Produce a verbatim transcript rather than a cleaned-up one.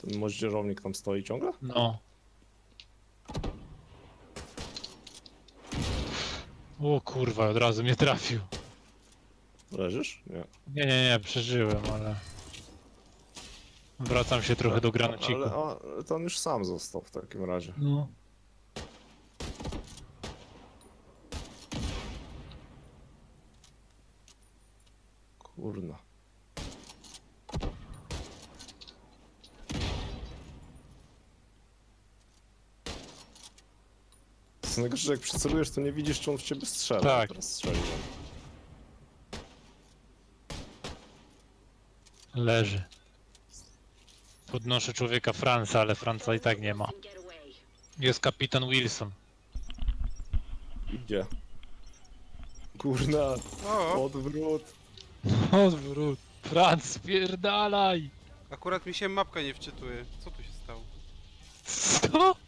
moździerownik tam stoi ciągle? No. O kurwa, od razu mnie trafił. Leżysz? Nie. Nie, nie, nie, przeżyłem, ale... Wracam się trochę do granociku. Ale a, to on już sam został w takim razie. No. Kurna. Co najgorsze, że jak przycelujesz, to nie widzisz, czy on w ciebie strzela. Tak. Teraz strzeliłem. Leży. Podnoszę człowieka Franca, ale Franca i tak nie ma. Jest kapitan Wilson. Gdzie? Kurna, O, odwrót. Odwrót. Franc, spierdalaj! akurat mi się mapka nie wczytuje. Co tu się stało? Co?